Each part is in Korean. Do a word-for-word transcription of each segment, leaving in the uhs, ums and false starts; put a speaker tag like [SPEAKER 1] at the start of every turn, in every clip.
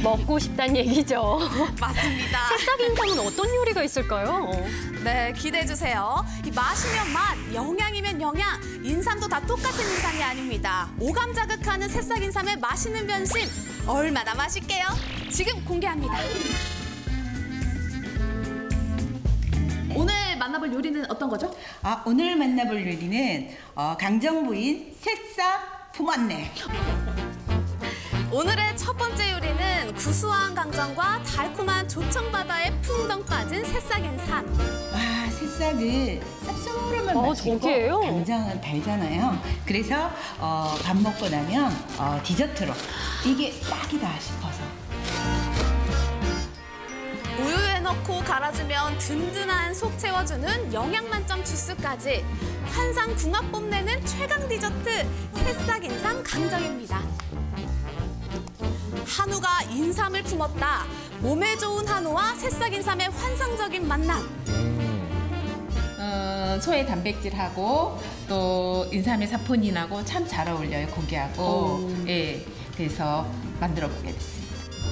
[SPEAKER 1] 먹고 싶다는 얘기죠.
[SPEAKER 2] 맞습니다.
[SPEAKER 1] 새싹 인삼은 어떤 요리가 있을까요?
[SPEAKER 2] 네, 기대해주세요. 이 맛이면 맛, 영양이면 영양, 인삼도 다 똑같은 인삼이 아닙니다. 오감 자극하는 새싹 인삼의 맛있는 변신, 얼마나 맛있게요? 지금 공개합니다. 오늘 만나볼 요리는 어떤 거죠?
[SPEAKER 3] 아, 오늘 만나볼 요리는 어, 강정부인 새싹 품었네.
[SPEAKER 2] 오늘의 첫 번째 요리는 구수한 강정과 달콤한 조청바다에 풍덩 빠진 새싹 인삼.
[SPEAKER 3] 와, 새싹은 쌉싸름한
[SPEAKER 1] 어,
[SPEAKER 3] 맛이고
[SPEAKER 1] 저게요?
[SPEAKER 3] 강정은 달잖아요. 그래서 어, 밥 먹고 나면 어, 디저트로 이게 딱이다 싶어서.
[SPEAKER 2] 우유에 넣고 갈아주면 든든한 속 채워주는 영양 만점 주스까지 환상 궁합 뽐내는 최강 디저트 새싹 인삼 강정입니다. 한우가 인삼을 품었다. 몸에 좋은 한우와 새싹 인삼의 환상적인 만남.
[SPEAKER 4] 어, 소의 단백질하고 또 인삼의 사포닌하고 참 잘 어울려요, 고기하고. 예, 그래서 만들어 보게 됐습니다.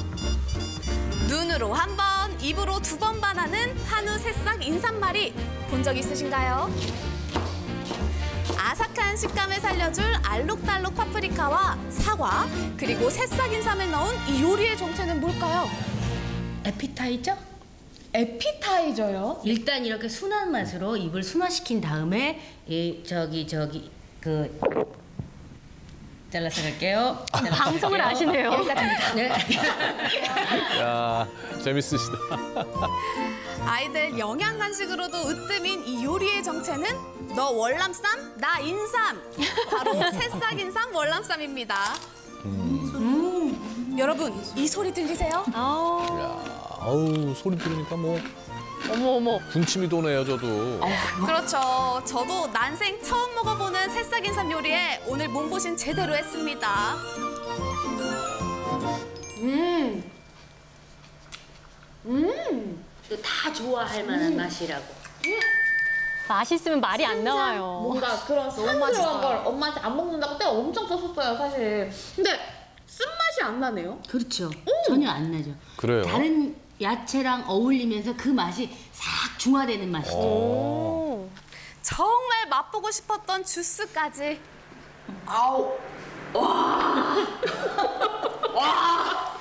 [SPEAKER 2] 눈으로 한 번, 입으로 두 번 반하는 한우 새싹 인삼말이 본 적 있으신가요? 아삭한 식감을 살려줄 알록달록 파프리카와 사과, 그리고 새싹 인삼을 넣은 이 요리의 정체는 뭘까요?
[SPEAKER 5] 에피타이저?
[SPEAKER 2] 에피타이저요?
[SPEAKER 5] 일단 이렇게 순한 맛으로 입을 순화시킨 다음에 이 저기 저기 그 잘라서 갈게요. 잘라서
[SPEAKER 1] 방송을
[SPEAKER 5] 갈게요.
[SPEAKER 1] 아시네요.
[SPEAKER 5] 여기까지입니다. 네.
[SPEAKER 6] 야, 재밌으시다.
[SPEAKER 2] 아이들 영양 간식으로도 으뜸인 이 요리의 정체는 너 월남쌈, 나 인삼. 바로 새싹 인삼 월남쌈입니다. 음. 여러분, 이 소리 들리세요?
[SPEAKER 1] 아,
[SPEAKER 6] 야, 아우 소리 들으니까 뭐
[SPEAKER 1] 어머 어머.
[SPEAKER 6] 군침이 도네요, 저도.
[SPEAKER 2] 그렇죠. 저도 난생 처음 먹어보는 새싹 인삼 요리에 오늘 몸보신 제대로 했습니다.
[SPEAKER 5] 음. 음. 이거 다 좋아할 만한 맛이라고.
[SPEAKER 1] 맛있으면 말이 안 나와요.
[SPEAKER 7] 뭔가 그런 쌈 들어간 걸 엄마한테 안 먹는다고 때 엄청 썼었어요, 사실. 근데 쓴맛이 안 나네요.
[SPEAKER 5] 그렇죠. 전혀 안 나죠.
[SPEAKER 6] 그래요?
[SPEAKER 5] 다른 야채랑 어울리면서 그 맛이 싹 중화되는 맛이죠.
[SPEAKER 1] 오.
[SPEAKER 2] 정말 맛보고 싶었던 주스까지.
[SPEAKER 7] 아우. 와. 와.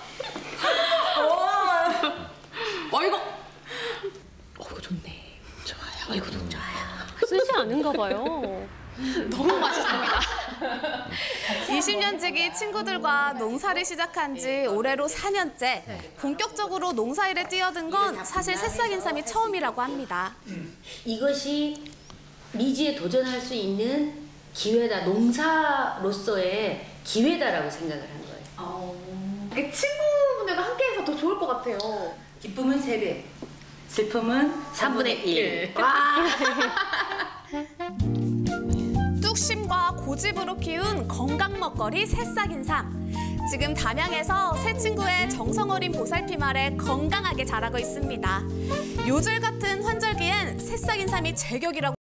[SPEAKER 7] 와. 어, 이거. 어, 이거 좋네. 좋아요. 이거 너무 좋아요.
[SPEAKER 1] 쓰지 않은가 봐요.
[SPEAKER 2] 너무 맛있습니다. 이십 년 지기 친구들과 농사를 시작한 지 올해로 사 년째. 본격적으로 농사일에 뛰어든 건 사실 새싹 인삼이 처음이라고 합니다.
[SPEAKER 5] 이것이 미지에 도전할 수 있는 기회다. 농사로서의 기회다라고 생각을 한 거예요.
[SPEAKER 7] 어. 이게 친구분들과 함께해서 더 좋을 것 같아요.
[SPEAKER 3] 기쁨은 세 배, 슬픔은
[SPEAKER 5] 삼분의 일.
[SPEAKER 7] 와.
[SPEAKER 2] 뚝심과 고집으로 키운 건강 먹거리 새싹 인삼. 지금 담양에서 새 친구의 정성 어린 보살핌 아래 건강하게 자라고 있습니다. 요즘 같은 환절기엔 새싹 인삼이 제격이라고